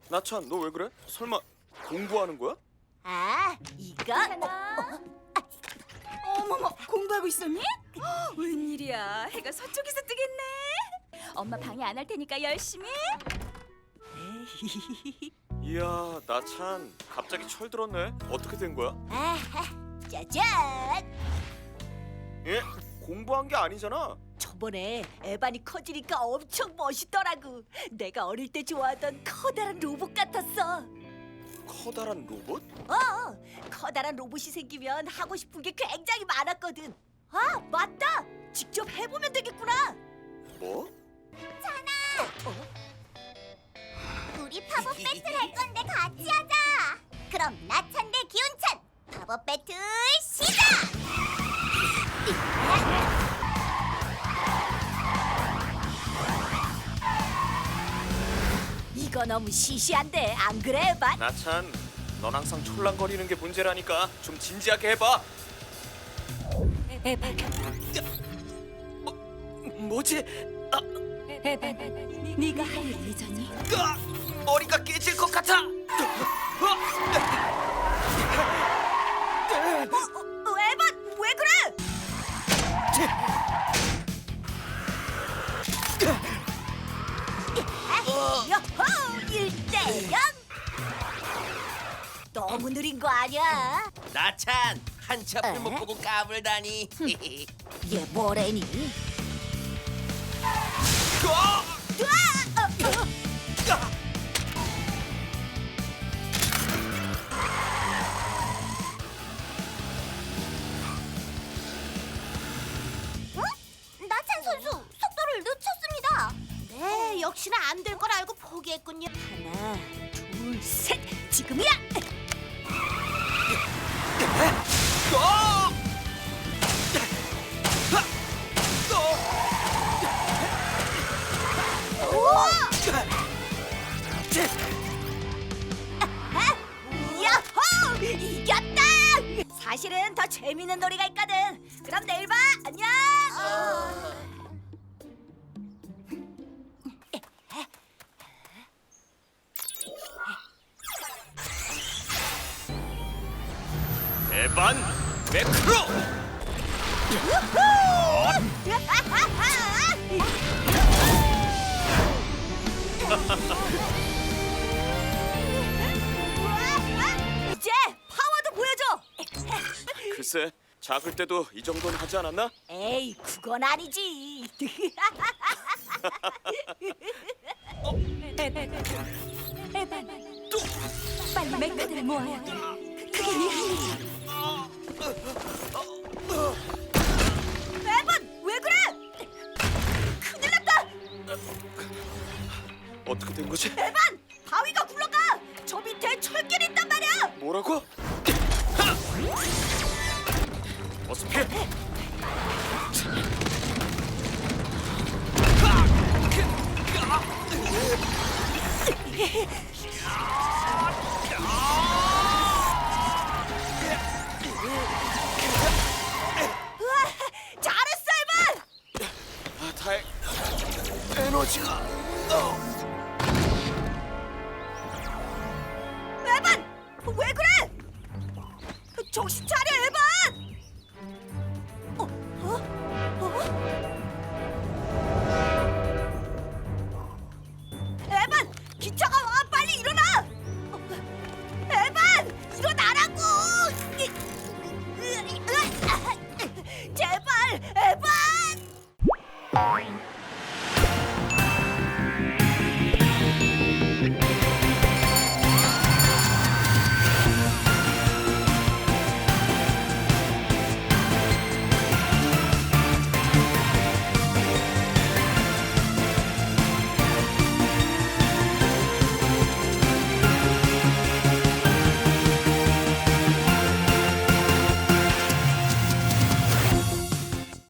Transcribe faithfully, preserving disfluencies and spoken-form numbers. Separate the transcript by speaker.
Speaker 1: 나찬, 너 왜 그래? 설마 공부하는 거야?
Speaker 2: 아, 이거?
Speaker 3: 하나. 어머머, 공부하고 있었니? 헉, 웬일이야, 해가 서쪽에서 뜨겠네. 엄마 방해 안 할 테니까 열심히.
Speaker 1: 이야, 나찬 갑자기 철들었네. 어떻게 된 거야?
Speaker 2: 아하, 짜잔!
Speaker 1: 예? 공부한 게 아니잖아.
Speaker 2: 저번에 에반이 커지니까 엄청 멋있더라고. 내가 어릴 때 좋아하던 커다란 로봇 같았어.
Speaker 1: 커다란 로봇?
Speaker 2: 어, 커다란 로봇이 생기면 하고 싶은 게 굉장히 많았거든. 아, 맞다! 직접 해보면 되겠구나.
Speaker 1: 뭐?
Speaker 4: 우리 팝업 배틀 할 건데 같이 하자. 그럼 나찬 대 기운찬 팝업 배틀 시작.
Speaker 2: 이거 너무 시시한데 안 그래, 에반?
Speaker 1: 나찬, 넌 항상 촐랑거리는 게 문제라니까. 좀 진지하게 해봐.
Speaker 2: 에반,
Speaker 1: 뭐, 뭐지? 아,
Speaker 3: 에반, 네가 할 일 잊었니?
Speaker 1: 으아! 머리가 깨질 것 같아.
Speaker 2: 어, 에반, 왜 그래? 여호, 일 대 영! 너무 느린 거 아니야?
Speaker 5: 나찬 한치 앞을
Speaker 2: 에?
Speaker 5: 못 보고 까불다니.
Speaker 2: 얘 뭐래니?
Speaker 1: 으아!
Speaker 2: 으아! 어, 어.
Speaker 4: 응? 나찬 선수 속도를 늦췄습니다. 네, 역시나 안 될 걸 알고 포기했군요.
Speaker 2: 하나, 둘, 셋! 지금이야!
Speaker 1: 으아!
Speaker 2: 우와! 야호! 이겼다! 사실은 더 재밌는 놀이가 있거든. 그럼 내일 봐. 안녕.
Speaker 1: 에반 매크로!
Speaker 2: 이제 파워도 보여줘.
Speaker 1: 글쎄, 작을 때도 이 정도는 하지 않았나?
Speaker 2: 에이, 그건 아니지.
Speaker 3: 에반, 빨리 메카들을 모아야 돼. 그게 네 할 일이야.
Speaker 2: 에반, 왜 그래? 큰일 났다.
Speaker 1: 어떻게 된 거지?
Speaker 2: 에반, 바위가 굴러가. 저 밑에 철길이 있단 말이야.
Speaker 1: 뭐라고? 하! 어서 피해!
Speaker 2: 우와, 잘했어, 에반.
Speaker 1: 아, 다행. 에너지가. 어.
Speaker 2: 에반, 왜 그래? 정신 차려, 에반. 어, 어, 어? 에반, 기차가 와, 빨리 일어나. 어, 에반, 일어나라고. 제발, 에반.